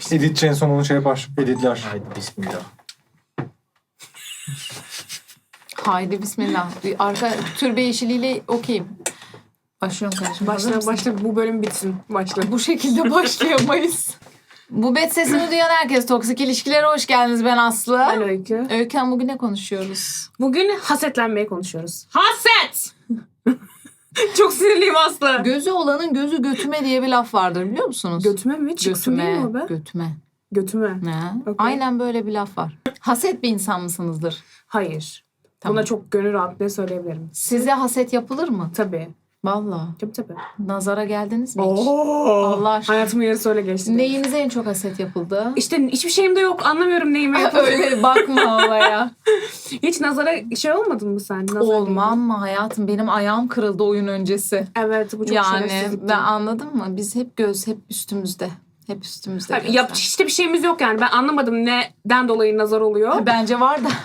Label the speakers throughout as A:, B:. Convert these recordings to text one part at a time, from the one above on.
A: Editçi en son onu şey yapar. Editler.
B: Haydi bismillah.
C: Haydi bismillah. Arka türbe yeşiliyle okuyayım. Başlıyorum kardeşim.
D: Başla bu bölüm bitsin. Başla.
C: Bu şekilde başlayamayız. Bu bet sesini duyan herkes, toksik ilişkilere hoş geldiniz. Ben Aslı.
D: Ben Öykü.
C: Öykü Hanım, bugün ne konuşuyoruz?
D: Bugün hasetlenmeyi konuşuyoruz. Haset! Çok sinirliyim Aslı.
C: Gözü olanın gözü götüme diye bir laf vardır, biliyor musunuz?
D: Götüme mi? Çıksın değil mi o be?
C: Götüme.
D: Götüme.
C: Ne?
D: Okay.
C: Aynen böyle bir laf var. Haset bir insan mısınızdır?
D: Hayır.
C: Tamam.
D: Buna çok gönül rahatlığı söyleyebilirim.
C: Size haset yapılır mı?
D: Tabii.
C: Vallahi.
D: Tabii.
C: Nazara geldiniz mi hiç?
D: Allah
C: aşkına.
D: Hayatımın yarısı öyle geçti.
C: Neyinize en çok haset yapıldı?
D: İşte hiçbir şeyim de yok. Anlamıyorum neyime yapıldı.
C: Öyle bakma olaya.
D: Hiç nazara şey olmadın mı sen? Nazar
C: Olmam mı hayatım? Benim ayağım kırıldı oyun öncesi.
D: değdi. Evet bu çok
C: Yani
D: şerefsizlikti.
C: ben anladın mı? Biz hep hep üstümüzde. Hep üstümüzde.
D: Tabii,
C: gözler.
D: işte bir şeyimiz yok yani. Ben anlamadım neden dolayı nazar oluyor.
C: Bence var da.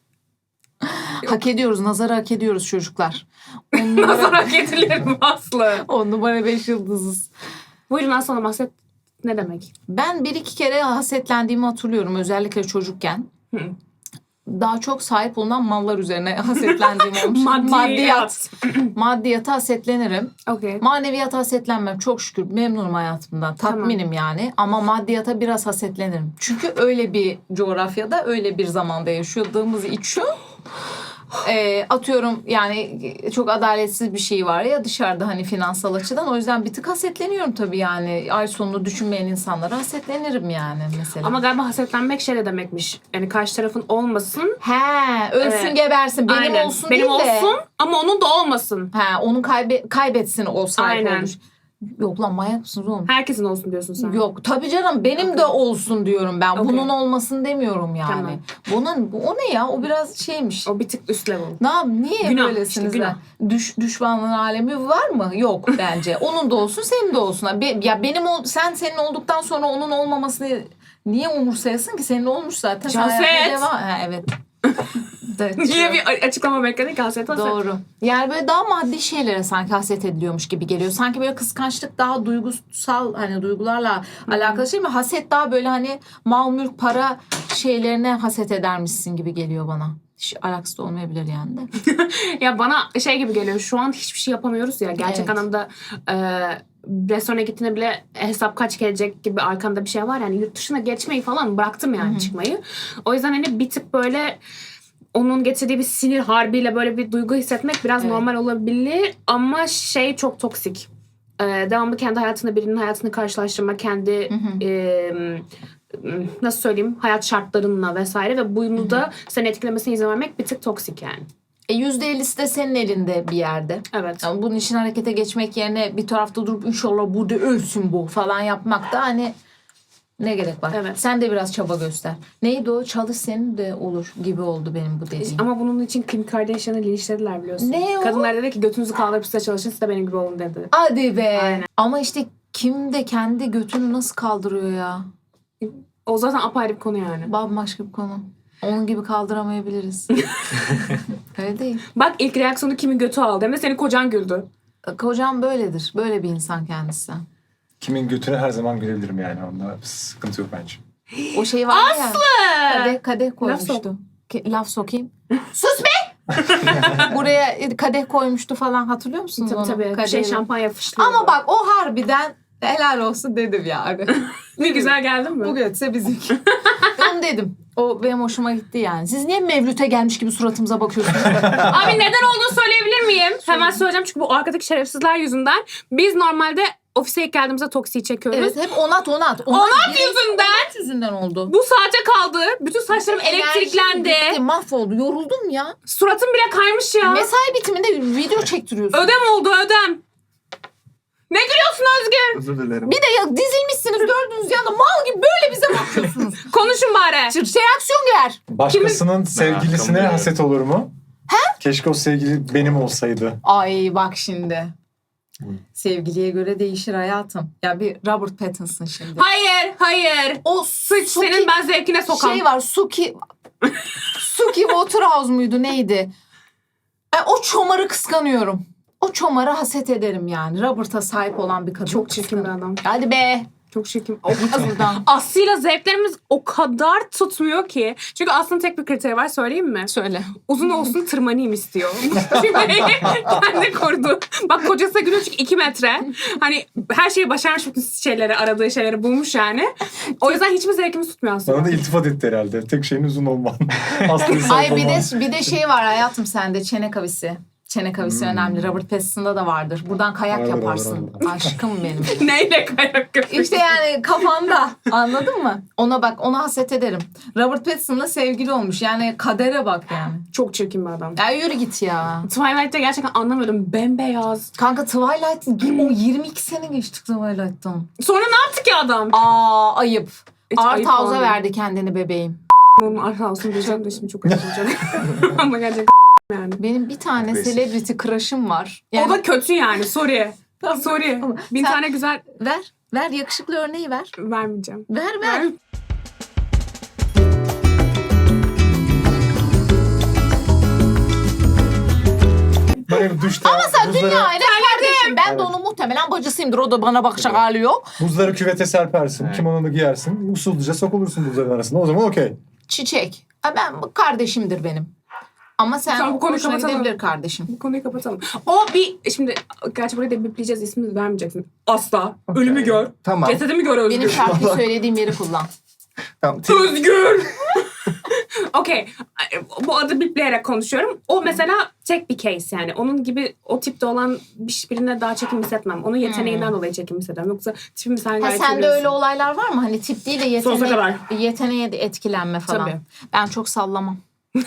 C: Hak ediyoruz. Nazarı hak ediyoruz çocuklar.
D: Nazar hak edilir mi Aslı?
C: 10 numara 5 yıldızız.
D: Buyurun Aslı Hanım, haset ne demek?
C: Ben 1-2 kere hasetlendiğimi hatırlıyorum. Özellikle çocukken.
D: Hı.
C: Daha çok sahip olunan mallar üzerine hasetlendiğim olmuş.
D: Maddiyat.
C: Maddiyata hasetlenirim.
D: Okey.
C: Maneviyata hasetlenmem. Çok şükür memnunum hayatımdan. Tatminim yani. Ama maddiyata biraz hasetlenirim. Çünkü öyle bir coğrafyada, öyle bir zamanda yaşadığımız için atıyorum yani çok adaletsiz bir şey var ya dışarıda, hani finansal açıdan. O yüzden bir tık hasetleniyorum tabii yani. Ay sonunu düşünmeyen insanlara hasetlenirim yani mesela.
D: Ama galiba hasetlenmek şey de demekmiş. Yani karşı tarafın olmasın.
C: He, ölsün
D: Evet.
C: gebersin. Benim
D: Aynen.
C: olsun
D: Benim
C: değil de.
D: olsun ama onun da olmasın.
C: He, onun kaybetsin o sahip
D: Aynen.
C: olmuş. Yok lan, manyak mısınız oğlum?
D: Herkesin olsun diyorsun sen.
C: Yok tabii canım, benim de olsun diyorum ben.
D: Okay.
C: Bunun olmasın demiyorum yani.
D: Tamam.
C: O ne ya? O biraz şeymiş.
D: O bir tık üst level.
C: Niye
D: Günah,
C: böylesiniz
D: işte günah.
C: lan? Düşmanlığın alemi var mı? Yok bence. Onun da olsun, senin de olsun. Ya senin olduktan sonra onun olmamasını niye umursayasın ki? Senin olmuş zaten. Sen
D: Haset.
C: hayatına devam. Ha, evet. Evet,
D: Niye bir açıklama bekledik haset haset?
C: Doğru. Yani böyle daha maddi şeylere sanki haset ediliyormuş gibi geliyor. Sanki böyle kıskançlık daha duygusal, hani duygularla alakalı şey mi? Haset daha böyle hani mal mülk para şeylerine haset edermişsin gibi geliyor bana. Hiç alakası da olmayabilir yani de.
D: Ya bana şey gibi geliyor. Şu an hiçbir şey yapamıyoruz ya. Gerçek
C: Evet.
D: anlamda restorana gittiğinde bile hesap kaç gelecek gibi arkamda bir şey var. Yani yurt dışına geçmeyi falan bıraktım yani çıkmayı. O yüzden hani bir tık böyle onun getirdiği bir sinir harbiyle böyle bir duygu hissetmek biraz normal olabilir. Ama şey çok toksik. Devamlı kendi hayatında birinin hayatını karşılaştırma, kendi nasıl söyleyeyim, hayat şartlarınla vesaire ve bunu da seni etkilemesine izin vermek bir tık toksik yani.
C: %50'si de senin elinde bir yerde.
D: Evet.
C: Yani bunun için harekete geçmek yerine bir tarafta durup inşallah burada ölsün bu falan yapmak da hani ne gerek var?
D: Evet.
C: Sen de biraz çaba göster. Neydi o? Çalış senin de olur gibi oldu benim bu dediğim.
D: Ama bunun için Kim Kardashian'ı linçlediler biliyorsun.
C: Ne o?
D: Kadınlar dedi ki götünüzü kaldırıp size çalışın, siz de benim gibi olun dedi.
C: Hadi be.
D: Aynen.
C: Ama işte kim de kendi götünü nasıl kaldırıyor ya?
D: O zaten apayrı bir konu yani.
C: Bambaşka bir konu. Onun gibi kaldıramayabiliriz. Öyle değil.
D: Bak ilk reaksiyonu kimin götü aldı hem de senin kocan güldü.
C: Kocam böyledir. Böyle bir insan kendisi.
A: Kimin götünü her zaman görebilirim yani. Onda sıkıntı yok bence.
C: O şey var ya. Kadeh koymuştu.
D: sok.
C: Laf sokayım. Sus be! Buraya kadeh koymuştu falan, hatırlıyor musunuz onu?
D: Tabii. Bir
C: Kadehi.
D: şey şampanya fışlıyordu.
C: Ama bak o harbiden helal olsun dedim yani.
D: ne güzel geldin mi?
C: Bu götse bizimki. Onu dedim. O benim hoşuma gitti yani. Siz niye Mevlüt'e gelmiş gibi suratımıza bakıyorsunuz?
D: Abi neden olduğunu söyleyebilir miyim? Hemen söyleyeceğim çünkü bu arkadaki şerefsizler yüzünden. Biz normalde ofise ilk geldiğimizde toksiyi çekiyoruz.
C: Evet, hep onat.
D: Onat yüzünden.
C: Onat yüzünden oldu.
D: Bu saate kaldı. Bütün saçlarım elektriklendi.
C: Enerjim bitti, mahvoldu. Yoruldum ya.
D: Suratım bile kaymış ya.
C: Mesai bitiminde video çektiriyorsun.
D: Ödem oldu ödem. Ne gülüyorsun Özgür?
B: Özür dilerim.
C: Bir de ya dizilmişsiniz dördünüz yanda mal gibi böyle bize bakıyorsunuz.
D: Konuşun bari.
C: Reaksiyon ver.
A: Başkasının sevgilisine
B: Merakım
A: haset olur mu? Keşke o sevgili benim olsaydı.
C: Ay bak şimdi. Sevgiliye göre değişir hayatım. Ya bir Robert Pattinson şimdi.
D: Hayır.
C: O
D: Sıç senin ben zevkine sokam.
C: şey var, Suki Waterhouse muydu neydi? O çomarı kıskanıyorum. O çomara haset ederim yani. Robert'a sahip olan bir kadın.
D: Çok çirkin bir adam.
C: Hadi be.
D: Çok çirkin.
C: Buradan.
D: Aslı'yla zevklerimiz o kadar tutmuyor ki. Çünkü Aslı'nın tek bir kriteri var, söyleyeyim mi?
C: Söyle.
D: Uzun olsun, tırmanayım istiyor. Kendi kurdu. Bak kocası gülüyor çünkü 2 metre. Hani her şeyi başarmış, bütün şeyleri, aradığı şeyleri bulmuş yani. O yüzden hiçbir zevkimiz tutmuyor aslında.
A: Bana da iltifat etti herhalde. Tek şeyin uzun olman. Aslında
C: Ay bir de şey var hayatım sende, çene kavisi. Çene kavisi önemli. Robert Pattinson'da da vardır. Buradan kayak
A: Vardır,
C: yaparsın. Aşkım benim.
D: Neyle kayak yapıyorsun?
C: İşte yani kafanda. Anladın mı? Ona bak, ona haset ederim. Robert Pattinson'la sevgili olmuş. Yani kadere bak yani.
D: Çok çirkin bir adam.
C: Ya yürü git ya.
D: Twilight'te gerçekten anlamıyordum. Bembeyaz.
C: Kanka Twilight, o 22 sene geçtik Twilight'tan.
D: Sonra ne yaptı ki adam?
C: Aa ayıp.
D: Hiç
C: Art
D: ayıp
C: House'a
D: oldu.
C: verdi kendini bebeğim.
D: Onun Arhouse'unu diyeceğim de şimdi çok üzüleceğim. Ama gerçekten yani.
C: Benim bir tane
A: Agresif.
C: celebrity crush'ım var.
D: O da kötü yani. Sorry. Sorry.
C: Ama
D: Bin
C: sen-
D: tane güzel
C: Ver yakışıklı örneği ver.
D: vermeyeceğim.
C: Ver.
A: Böyle duşta
C: Ama sen
A: buzları,
C: dünyayla kardeşim. Ben de onun muhtemelen bacısıyımdır. O da bana bakacak hali yok.
A: buzları küvete serpersin.
B: Evet.
A: Kimono'nu giyersin. Usulca sokulursun buzların arasında. O zaman okey.
C: Çiçek. Ben kardeşimdir benim. Ama sen
D: Tamam, bu konuyu
C: hoşuna
D: kapatalım.
C: gidebilir kardeşim.
D: Bu konuyu kapatalım. O bir... Şimdi gerçi burayı da bipleyeceğiz. İsmini vermeyeceksin. Asla.
B: Okey.
D: Ölümü gör.
B: Tamam.
D: Cesedimi gör Özgür.
C: Benim şarkıyı söylediğim yeri kullan.
B: Tamam.
D: Özgür! Okey. Bu adı bipleyerek konuşuyorum. O mesela tek bir case yani. Onun gibi o tipte olan birine daha çekim hissetmem. Onun yeteneğinden dolayı çekim hissederim. Yoksa tipimi sen
C: Ha,
D: gayet
C: sende
D: seviyorsun.
C: öyle olaylar var mı? Hani tip değil de
D: Sonsuza kadar.
C: yeteneğe de etkilenme falan.
D: Tabii.
C: Ben çok sallamam.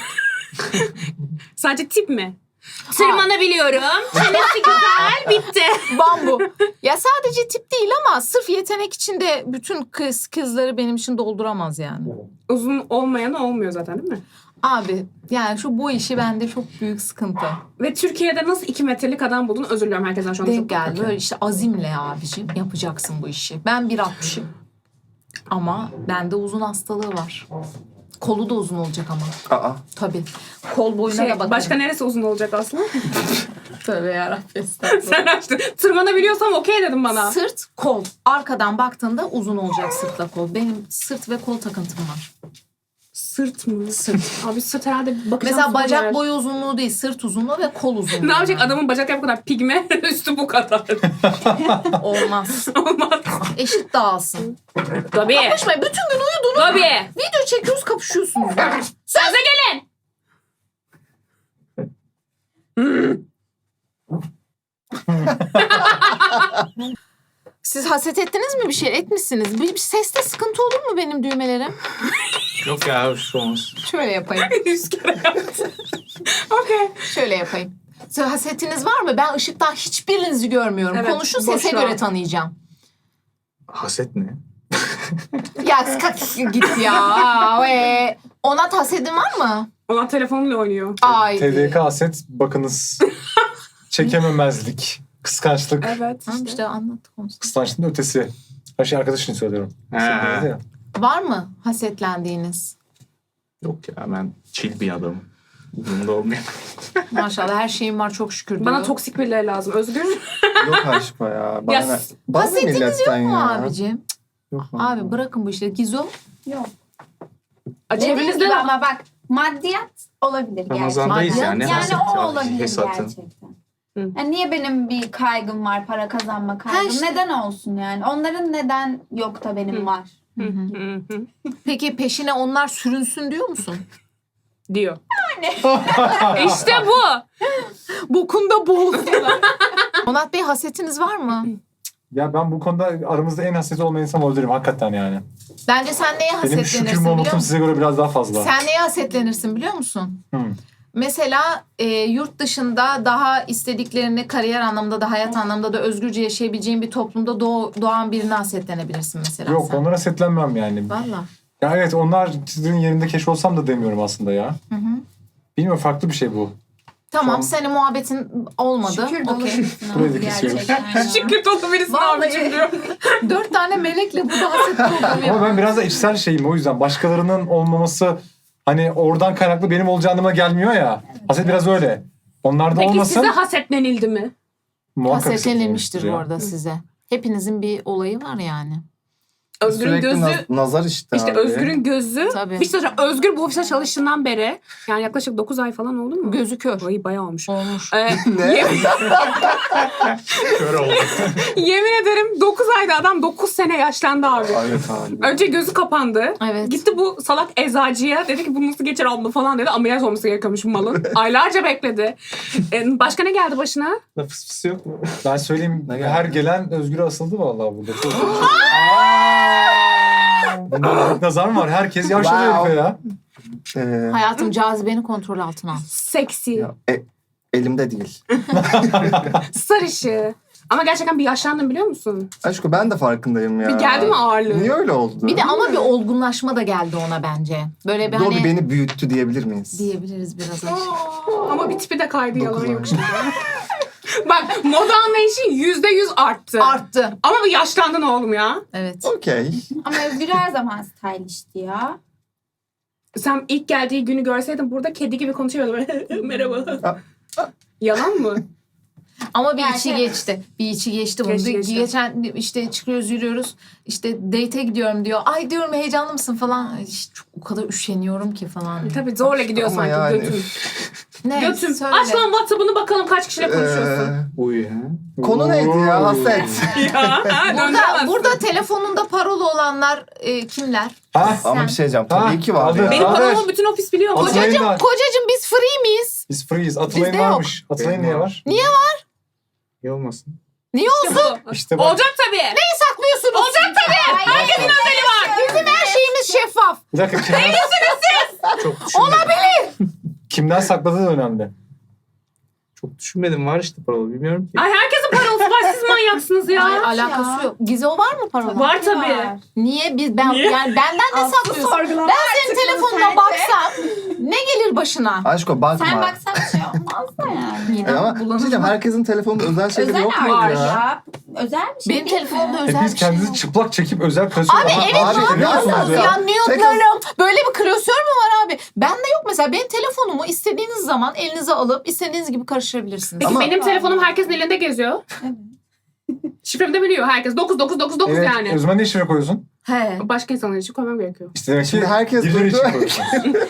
D: Sadece tip mi? Tırmanabiliyorum. Çenesi güzel. Bitti.
C: Bambu. Ya sadece tip değil ama sırf yetenek için de bütün kızları benim için dolduramaz yani.
D: Uzun olmayan olmuyor zaten değil mi?
C: Abi yani bu işi bende çok büyük sıkıntı.
D: Ve Türkiye'de nasıl 2 metrelik adam buldun? Özür diliyorum herkesten şu an.
C: Denk
D: çok
C: geldi. Böyle işte azimle abicim yapacaksın bu işi. Ben 1.60'ım. Ama bende uzun hastalığı var. Kolu da uzun olacak ama.
B: Aa.
C: Tabii. Kol boyuna da bakarım.
D: Başka neresi uzun olacak aslında?
C: Tövbe yarabbim. Estağfurullah.
D: Sen açtın. Tırmanabiliyorsam okey dedim bana.
C: Sırt, kol. Arkadan baktığında uzun olacak sırtla kol. Benim sırt ve kol takıntım var.
D: Sırt mı?
C: Sırt.
D: Abi sırt herhalde bakacağım.
C: Mesela
D: sonra
C: bacak
D: yer.
C: boyu uzunluğu değil, sırt uzunluğu ve kol uzunluğu.
D: Ne yapacak
C: yani.
D: adamın bacakları bu kadar pigme, üstü bu kadar.
C: Olmaz.
D: Olmaz.
C: Eşit dağılsın.
D: Tabii.
C: Konuşmayın. Bütün gün uyudunuz.
D: Tabii.
C: Video çekiyoruz, kapışıyorsunuz.
D: Söze gelin.
C: Siz haset ettiniz mi bir şey? Etmişsiniz. Bir seste sıkıntı olur mu benim düğmelerim?
B: Yok ya hoş olmaz.
C: Şöyle yapayım.
D: 100 kere yaptı. Okey.
C: Şöyle yapayım. Siz hasetiniz var mı? Ben ışıktan hiçbirinizi görmüyorum.
D: Evet,
C: Konuşun,
D: boş
C: sese
D: ver.
C: göre tanıyacağım.
B: Haset ne?
C: Ya kalk git ya. Onat hasedin var mı?
D: Ona telefonla oynuyor.
C: Ay.
A: TDK aset bakınız. Çekememezlik. Kıskançlık.
D: Evet.
C: Tamam işte anlattık onu.
A: Kıskançlığın ötesi. Her şey arkadaşın söylüyorum.
B: Ha.
A: Sen dedi ya.
C: Var mı hasetlendiğiniz?
B: Yok ya ben chill bir adamım. Bunda olmuyor.
C: Maşallah her şeyim var çok şükür diyor.
D: Bana toksik birileri lazım. Özgür.
B: Yok aşkım ya. Bana
D: Ya,
B: ne? Bana ne
C: Hasetiniz
B: milletten
C: yok mu
B: ya?
C: abicim?
B: Yok
C: Abi bırakın bu işleri. Gizo.
E: Yok.
D: Çevrenizde de
E: ama bak maddiyat olabilir gerçekten.
B: Ramazan'dayız
C: yani.
B: yani.
E: Yani
B: haset
E: o
B: ya,
E: olabilir
B: hesatın.
E: gerçekten.
D: Hı.
E: Yani niye benim bir kaygım var, para kazanma kaygım?
C: işte.
E: Neden olsun yani? Onların neden yok da benim var?
D: Hı hı.
C: Peki peşine onlar sürünsün diyor musun?
D: Diyor. İşte bu.
C: Bokunda boğulsunlar. Onat Bey hasetiniz var mı?
A: Ya ben bu konuda aramızda en hassas olmayan insan olabilirim hakikaten yani.
C: Bence sen neye
A: Benim
C: hasetlenirsin
A: şükür
C: biliyor
A: momentum
C: musun?
A: size göre biraz daha fazla.
C: Sen neye hasetlenirsin biliyor musun?
A: Hı.
C: Mesela yurt dışında daha istediklerini kariyer anlamında da hayat anlamında da özgürce yaşayabileceğin bir toplumda doğan birine hasetlenebilirsin mesela
A: Yok
C: sen.
A: onlara setlenmem yani.
C: Valla.
A: Ya evet onlar sizin yerinde keşf olsam da demiyorum aslında ya.
C: Hı hı.
A: Bilmiyorum farklı bir şey bu.
C: Tamam
A: Tamam.
C: senin muhabbetin olmadı.
E: Şükür dolu
C: Okey.
E: birisin
A: Burayı da
E: abi
A: kesiyoruz.
E: gerçekten ya.
D: Şükür dolu birisin
C: Vallahi.
D: abicim diyor.
C: 4 tane melekle burada haset programı
A: Ama
C: yapıyoruz.
A: ben biraz da içsel şeyim o yüzden. Başkalarının olmaması hani oradan kaynaklı benim olacağı anlamına gelmiyor ya. Haset biraz öyle. Onlarda
D: Peki
A: olmasın.
D: size hasetlenildi mi?
A: Muhakkak
C: Hasetlenilmiştir bu
A: ya.
C: arada size. Hepinizin bir olayı var yani.
D: Özgür'ün
F: Sürekli
D: gözü...
F: nazar işte
D: İşte
F: abi.
D: Özgür'ün gözü.
C: Tabii.
D: Bir şey söyleyeceğim. Özgür bu ofiste çalıştığından beri yani yaklaşık 9 ay falan oldu mu?
C: Gözü kör.
D: Ay bayağı olmuş.
C: Olmuş.
F: Ne?
B: Kör oldu.
D: Yemin ederim 9 ayda adam 9 sene yaşlandı abi.
F: Evet abi.
D: Önce gözü kapandı.
C: Evet.
D: Gitti bu salak eczacıya. Dedi ki bu nasıl geçer abla falan dedi. Ameliyat olması gerekiyormuş bu malın. Aylarca bekledi. Başka ne geldi başına?
B: Fıs fıs yok mu?
A: Ben söyleyeyim
F: Ne geldi?
A: her gelen Özgür'e asıldı vallahi burada. Çok Bunda nazar mı var? Herkes yaşlanıyor
F: Wow.
A: herife ya.
C: Hayatım cazibeni kontrol altına al.
D: Seksi.
F: Ya, elimde değil.
D: Sarışı. Ama gerçekten bir yaşlandım biliyor musun?
F: Aşkım ben de farkındayım ya.
D: Bir geldi mi ağırlığı?
F: Niye öyle oldu?
C: Bir de ama bir olgunlaşma da geldi ona bence. Böyle bir
F: Dobby
C: hani
F: beni büyüttü diyebilir miyiz?
C: diyebiliriz biraz.
D: Ama bir tipi de kaydı yalan
F: Dokuz
D: yok
F: ay.
D: şimdi. Bak moda anlayışın %100 arttı.
C: Arttı.
D: Ama bir yaşlandın oğlum ya.
C: Evet.
F: Okey.
E: Ama Özgür her zaman stylish'ti ya.
D: Sen ilk geldiği günü görseydin burada kedi gibi konuşuyordu. Böyle, merhaba. Yalan mı?
C: Ama bir
E: Yani
C: içi
E: şey-
C: geçti. Bir içi geçti bunu.
D: Geçti.
C: Geçen işte çıkıyoruz yürüyoruz. İşte date'e gidiyorum diyor. Ay diyorum heyecanlı mısın falan. Ay, işte çok, o kadar üşeniyorum ki falan.
D: Tabii zorla gidiyor
F: Ama
D: sanki
F: yani.
D: götüm.
C: Ne?
D: Götüm.
C: Söyle.
D: Aç lan WhatsApp'ını bakalım kaç kişiyle konuşuyorsun.
B: Uy ha.
F: Konu neydi ya? Haset.
D: Ya, ha, döndüremezsin.
C: Burada telefonunda parola olanlar kimler?
A: Ha?
F: Ama bir şey diyeceğim. Tabii
A: Ha,
F: ki var
A: aldı.
F: ya.
D: Benim
A: Haber.
D: parolamı bütün ofis biliyor mu?
A: Atılay'ın
C: Kocacığım,
A: var.
C: kocacığım biz free miyiz?
A: Biz freeyiz. Atılay'ın
C: Bizde yok.
A: varmış. Atılay'ın niye var?
C: Niye
B: İyi olmasın.
C: Niye olsun?
A: İşte bak.
D: Olacak tabii.
C: Neyi saklıyorsunuz?
D: Olacak tabii. Herkesin özeli var.
C: Bizim her şeyimiz şeffaf.
A: Bir dakika kimden,
B: Çok düşünmedim.
A: kimden sakladığı da önemli.
B: Çok düşünmedim. Var işte paralı. Bilmiyorum ki.
D: Ay herkesin parolası var. Siz manyaksınız ya.
C: Hayır, alakası yok. Gizo var mı parola?
D: Var tabii.
C: Niye?
D: Niye?
C: Yani benden ne saklıyorsun? Ben senin telefonuna baksam ne gelir başına?
F: Aşko bakma.
E: Sen baksan bir şey olmaz da yani.
C: Yine
F: Ama bir şey diyeceğim. Herkesin telefonunda özel şeyleri
E: Özel
F: yok muydu
E: var
F: ya?
E: ya. Özel bir şey
C: Benim
E: değil
C: telefonumda
E: mi?
C: özel
A: Hepiniz
C: bir şey
A: kendinizi
C: yok.
A: çıplak çekip özel klasör.
C: Abi evet
F: Abi,
C: ne yapıyorsunuz
F: ya?
C: ya? Nude'larım. Böyle bir klasör mü var abi? Bende yok mesela. Benim telefonumu istediğiniz zaman elinize alıp istediğiniz gibi karıştırabilirsiniz.
D: Peki
F: Ama-
D: benim telefonum herkesin elinde geziyor.
E: Evet.
D: Şifremi de biliyor herkes. 9999
A: Evet,
D: yani.
A: Özmen ne şifre koyuyorsun?
C: He.
D: Başka insanlar için koymam gerekiyor.
A: İşte demek ki
F: Şimdi herkes
A: birileri için
F: duydu.
A: koyuyorsun.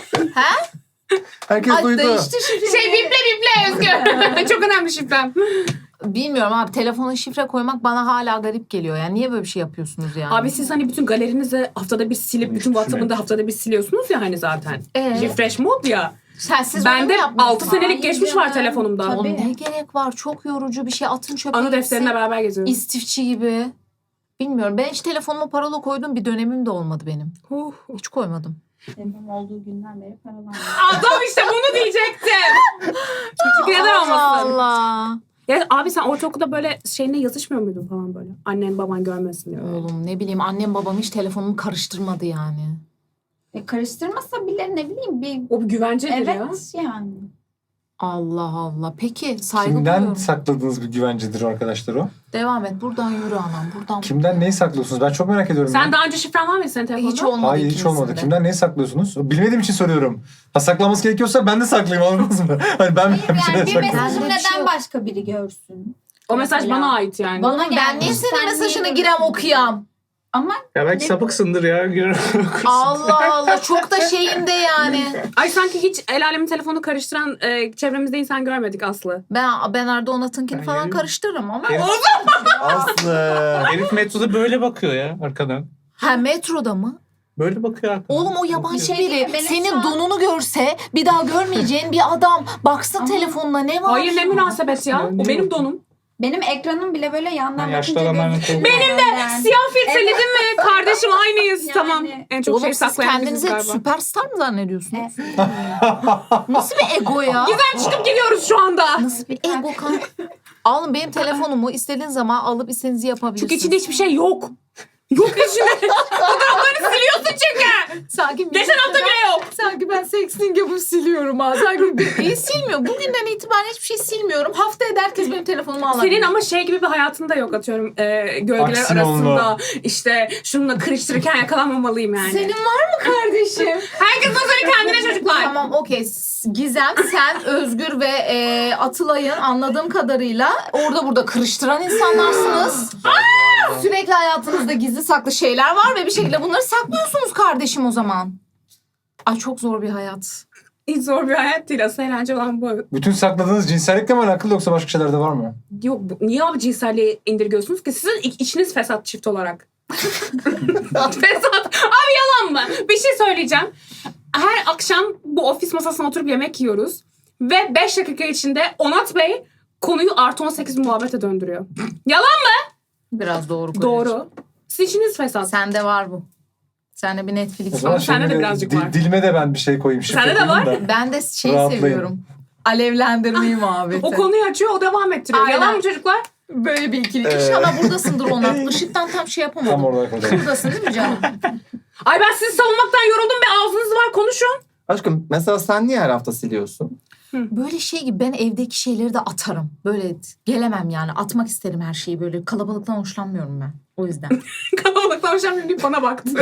F: Herkes
C: Ay
F: duydu.
C: değişti şifreyi.
D: Şey biple Özgür. Çok önemli şifrem.
C: Bilmiyorum abi telefona şifre koymak bana hala garip geliyor. Yani niye böyle bir şey yapıyorsunuz yani?
D: Abi siz hani bütün galerinizi haftada bir silip bütün WhatsApp'ını da haftada bir siliyorsunuz ya hani zaten. Refresh mod ya.
C: Siz
D: Bende 6
C: Hayır
D: senelik geçmiş var telefonumda.
E: Tabii.
C: Oğlum ne gerek var? Çok yorucu bir şey. Atın çöpe
D: Anı
C: gitsin.
D: defterine beraber geziyorum.
C: İstifçi gibi. Bilmiyorum. Ben hiç telefonuma parola koyduğum bir dönemim de olmadı benim. Hiç koymadım.
E: Benim olduğu günden beri paralanıyor.
D: Adam işte bunu diyecektim. Çünkü neden olmasın?
C: Allah.
D: Ya abi sen ortaokulda böyle şeyine yazışmıyor muydun falan böyle? Annen baban görmesin diye.
C: Oğlum ne bileyim annem babam hiç telefonumu karıştırmadı yani.
E: Karıştırmasa bile ne bileyim bir...
D: O bir güvencedir
E: Evet
D: ya.
E: yani.
C: Allah Allah. Peki saygı
A: Kimden
C: duyuyorum.
A: sakladığınız bir güvencedir arkadaşlar o?
C: Devam et. Buradan yürü anam. Buradan.
A: Kimden neyi saklıyorsunuz? Ben çok merak ediyorum.
D: Sen
A: ya.
D: daha önce şifren var mıydı senin telefonda?
C: Hiç olmadı
A: Hayır hiç
C: ikimizin
A: olmadı.
C: de.
A: Kimden neyi saklıyorsunuz? Bilmediğim için soruyorum. Ha saklaması gerekiyorsa ben de saklayayım anladınız mı? Hani ben
E: Hayır
A: bir şeyler
E: yani bir
A: saklayayım.
E: mesajım
C: Bende bir şey
E: neden
C: yok.
E: başka biri görsün?
D: O mesaj
E: Mesela.
D: bana ait yani.
E: Bana
C: Ben
E: gelmiş.
C: niye senin
E: Sen
C: mesajını
E: niye
C: girem
E: görürsün?
C: okuyam?
E: Ama
B: Ya belki
E: Ne-
B: sapıksındır ya.
C: Allah Allah. Çok da şeyinde yani.
D: Ay sanki hiç el alemin telefonu karıştıran çevremizde insan görmedik Aslı.
C: Ben Erdoğan Atınkin'i
B: Ben
C: falan
B: yürüyorum.
C: karıştırırım ama.
F: Aslı.
B: Herif metroda böyle bakıyor ya arkadan.
C: Ha metroda mı?
B: Böyle bakıyor arkadan.
C: Oğlum o yabancı
E: Şey değil mi?
C: biri
E: Benim
C: senin
E: şu an-
C: donunu görse bir daha görmeyeceğin bir adam. Baksın
E: Ama-
C: telefonuna ne var?
D: Hayır ne münasebet ya. O benim donum.
E: benim ekranım bile böyle yandan
B: Ha, yaşlı
E: bakınca
B: adamların
E: gözüküyor.
B: kolu.
D: Benim de siyah filtreledim mi? Kardeşim aynıyız.
E: Yani-
D: Tamam. En çok
C: Oğlum
D: şey
C: siz
D: saklayan biziz
C: kendinize
D: galiba.
C: süperstar mı zannediyorsunuz?
E: Evet.
C: Nasıl bir ego ya?
D: Güzel çıkıp gidiyoruz şu anda.
C: Nasıl bir ego kanka? Alın benim telefonumu istediğiniz zaman alıp istediğinizi yapabilirsiniz.
D: Çünkü içinde hiçbir şey yok. Yok içinde. Fotoğraflarını siliyorsun çünkü.
C: Sanki
D: Geçen hafta bile yok.
C: Sanki ben sexting yapıp siliyorum ha. Sanki silmiyor. Bugünden itibaren hiçbir şey silmiyorum. Haftaya da herkes benim telefonumu alabilir.
D: Senin ama şey gibi bir hayatın da yok atıyorum. Gölgeler
A: Aksiyonlu.
D: arasında işte şununla kırıştırırken yakalanmamalıyım yani.
C: Senin var mı kardeşim?
D: Herkes özeli kendine çocuklar.
C: Tamam okey. Gizem, sen, Özgür ve Atılay'ın anladığım kadarıyla orada burada kırıştıran insanlarsınız. Sürekli hayatınızda gizli saklı şeyler var ve bir şekilde bunları saklıyorsunuz kardeşim o zaman. Ay çok zor bir hayat.
D: Hiç zor bir hayat değil. Asıl eğlence olan bu.
A: Bütün sakladığınız cinsellikle mi alakalı yoksa başka şeyler de var mı?
D: Yok niye abi cinselliği indirgiyorsunuz ki? Sizin içiniz fesat çift olarak. Fesat. Abi yalan mı? Bir şey söyleyeceğim. Her akşam bu ofis masasına oturup yemek yiyoruz. Ve 5 dakika içinde Onat Bey konuyu artı 18 muhabbete döndürüyor. Yalan mı?
C: Biraz doğru. Kocacığım.
D: Doğru. Sizin içiniz fesat.
C: Sende var bu. Sende bir
A: O
C: Netflix
A: zaman
C: var.
D: sende de
A: şimdi
D: birazcık var.
A: Dilime de ben bir şey koyayım. şifre
D: Sende de
A: koyayım
D: var.
A: da.
C: Ben de şeyi
A: Rahatlayın.
C: seviyorum. Alevlendirmeyi muhabbeti.
D: O konuyu açıyor, o devam ettiriyor.
C: Aynen.
D: Yalan mı çocuklar?
C: Böyle bir ikili. İnşallah buradasındır Onat. Işıktan tam şey yapamadım.
A: Tam orada kalacağım.
C: Buradasın değil mi canım?
D: Ay ben sizi savunmaktan yoruldum be. Ağzınız var, konuşun.
F: Aşkım mesela sen niye her hafta siliyorsun?
C: Böyle şey gibi ben evdeki şeyleri de atarım. Böyle gelemem yani. Atmak isterim her şeyi böyle. Kalabalıktan hoşlanmıyorum ben. O yüzden.
D: Kalabalıktan hoşlanmıyorum deyip bana baktı.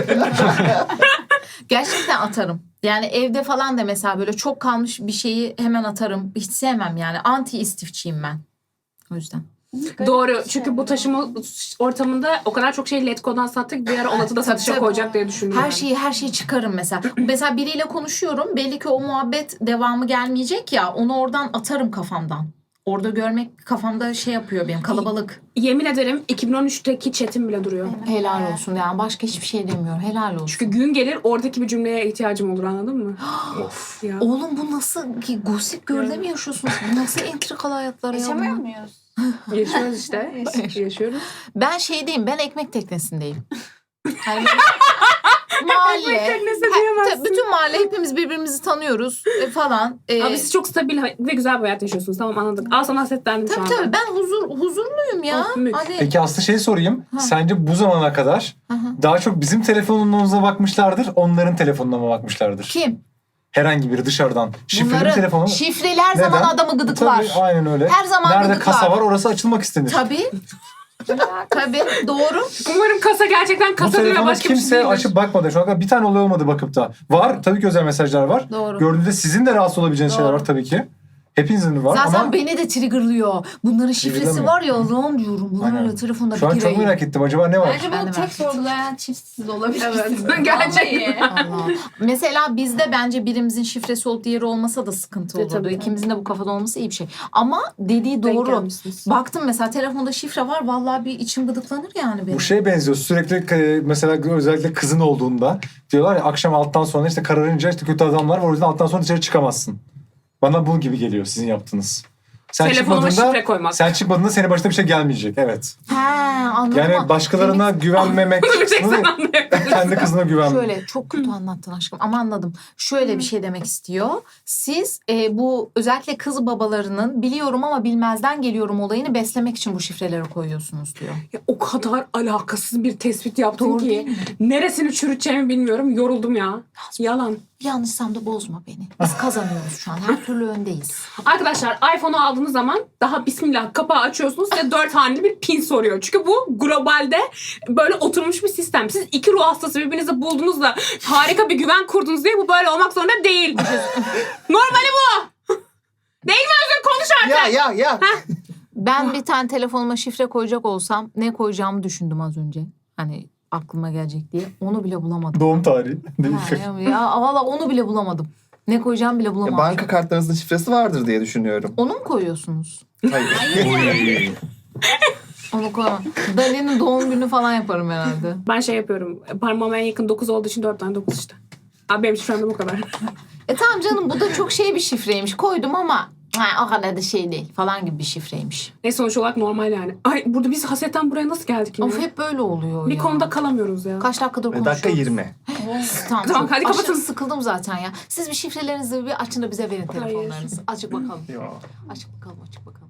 C: Gerçekten atarım. Yani evde falan da mesela böyle çok kalmış bir şeyi hemen atarım. Hiç sevmem yani. Anti istifçiyim ben. O yüzden.
D: Doğru. Çünkü bu taşıma ortamında o kadar çok şey Letgo'dan sattık. Bir ara Onat'ı da satışa
C: tabii.
D: koyacak diye düşündüm.
C: Her şeyi çıkarım mesela. Mesela biriyle konuşuyorum. Belli ki o muhabbet devamı gelmeyecek ya. Onu oradan atarım kafamdan. Orada görmek kafamda şey yapıyor benim kalabalık.
D: Yemin ederim 2013'teki chatim bile duruyor.
C: Helal olsun yani başka hiçbir şey demiyorum. Helal olsun.
D: Çünkü gün gelir oradaki bir cümleye ihtiyacım olur, anladın mı?
B: Of.
D: Ya.
C: Oğlum bu nasıl ki Gossip Girl'de mi yaşıyorsunuz? Bu nasıl entrikalı hayatlar ya
E: Yaşamıyor
C: bunlar?
E: muyuz?
D: Yaşıyoruz işte. Yaşıyoruz.
C: Ben şeydeyim, ben ekmek teknesindeyim. Hani böyle mahalle,
D: teknesi diyemezsin.
C: tabii bütün mahalle hepimiz birbirimizi tanıyoruz falan.
D: Abi siz çok stabil ve güzel bir hayat yaşıyorsunuz. Tamam, anladık. Al sana hasretlendim şu
C: Tabii
D: anda.
C: tabii ben huzurluyum ya.
D: Oh, mük.
C: Hani
A: Peki Aslı şey sorayım. Sence bu zamana kadar
C: Hı hı.
A: daha çok bizim telefonumuza bakmışlardır, onların telefonuna mı bakmışlardır?
C: kim?
A: Herhangi biri dışarıdan. Şifreli bir
C: Bunların
A: telefonu.
C: şifreli her zaman
A: Neden?
C: adamı gıdıklar.
A: Tabii, aynen öyle.
C: Her zaman
A: Nerede
C: gıdıklar.
A: kasa var orası açılmak istenir.
C: Tabii. Tabii doğru.
D: Umarım kasa gerçekten
A: Bu
D: kasa değil ve
A: telefonu
D: başka bir şey
A: kimse
D: değildir.
A: açıp bakmadı. Şu an kadar bir tane olay olmadı bakıp da. Var. Tabii ki özel mesajlar var.
C: Doğru.
A: Gördüğünüzde sizin de rahatsız olabileceğiniz şeyler
C: Doğru.
A: var tabii ki. Hepinizin var
C: Zaten
A: ama
C: beni de triggerlıyor. Bunların şifresi
A: Triggerlamıyor.
C: var ya Allah'ım diyorum. Bunlar
A: Aynen.
C: öyle telefonda
A: şu an çok
C: gireyim.
A: merak ettim. Acaba ne var?
E: Bence
C: Ben de
E: bunu tek
C: merak ettim.
E: sorgulayan çiftsiz olabilirsiniz.
D: Evet. Gerçekten.
C: Allah. Mesela bizde bence birimizin şifresi olup diğeri olmasa da sıkıntı olurdu.
D: Tabii.
C: İkimizin de bu kafada olması iyi bir şey. Ama dediği
D: Denk
C: doğru.
D: gelmişsiniz.
C: Baktım mesela telefonda şifre var. Vallahi bir içim gıdıklanır yani benim.
A: Bu şeye benziyor. Sürekli mesela özellikle kızın olduğunda diyorlar ya akşam alttan sonra işte kararınca işte kötü adamlar var. O yüzden alttan sonra dışarı çıkamazsın. Bana bu gibi geliyor sizin yaptığınız. Sen
D: Telefonuma
A: çıkmadığında-
D: şifre koymak.
A: Sen çıkmadığında senin başına bir şey gelmeyecek. Evet.
C: He anladım.
A: Yani
C: ama
A: başkalarına güvenmemek.
D: Bir tek sen anlayabilirsin.
A: Kendi kızına güvenmek.
C: Şöyle çok kötü anlattın aşkım ama anladım. Şöyle bir şey demek istiyor. Siz bu özellikle kız babalarının biliyorum ama bilmezden geliyorum olayını beslemek için bu şifreleri koyuyorsunuz diyor.
D: Ya, o kadar alakasız bir tespit yaptın
C: Doğru değil
D: ki.
C: mi?
D: Neresini çürüteceğimi bilmiyorum. Yoruldum ya. Yalan.
C: Yanlışsam da bozma beni. Biz kazanıyoruz şu an. Her türlü öndeyiz.
D: Arkadaşlar iPhone'u aldığınız zaman daha bismillah kapağı açıyorsunuz ve 4 haneli bir pin soruyor. Çünkü bu globalde böyle oturmuş bir sistem. Siz iki ruh hastası birbirinizi buldunuz da harika bir güven kurdunuz diye bu böyle olmak zorunda değil. Normali bu. Değil mi Özgür? Konuş artık.
F: Ya.
C: Ben bir tane telefonuma şifre koyacak olsam ne koyacağımı düşündüm az önce. Hani aklıma gelecek diye. Onu bile bulamadım.
A: Doğum tarihi.
C: Ha, ya valla onu bile bulamadım. Ne koyacağımı bile
F: Ya
C: bulamadım.
F: banka kartlarınızın şifresi vardır diye düşünüyorum.
C: Onu mu koyuyorsunuz?
F: Hayır.
C: Onu koyamam. Dali'nin doğum günü falan yaparım herhalde.
D: Ben şey yapıyorum. Parmağıma en yakın 9 olduğu için 4 tane 9 işte. Abi benim şifrem de bu kadar.
C: Tamam canım bu da çok şey bir şifreymiş. Koydum ama o kadar da şey değil falan gibi bir şifreymiş.
D: Sonuç olarak normal yani. Ay burada biz hasetten buraya nasıl geldik yine?
C: Of hep böyle oluyor
D: Bir
C: ya.
D: konuda kalamıyoruz ya.
C: Kaç dakikadır konuşuyoruz.
F: Dakika 20.
C: Tamam,
D: Tamam,
C: çok
D: hadi
C: aşırı
D: kapatın.
C: sıkıldım zaten ya. Siz bir şifrelerinizi bir açın da bize verin telefonlarınızı. Açık bakalım.
F: Ya.
C: Açık bakalım.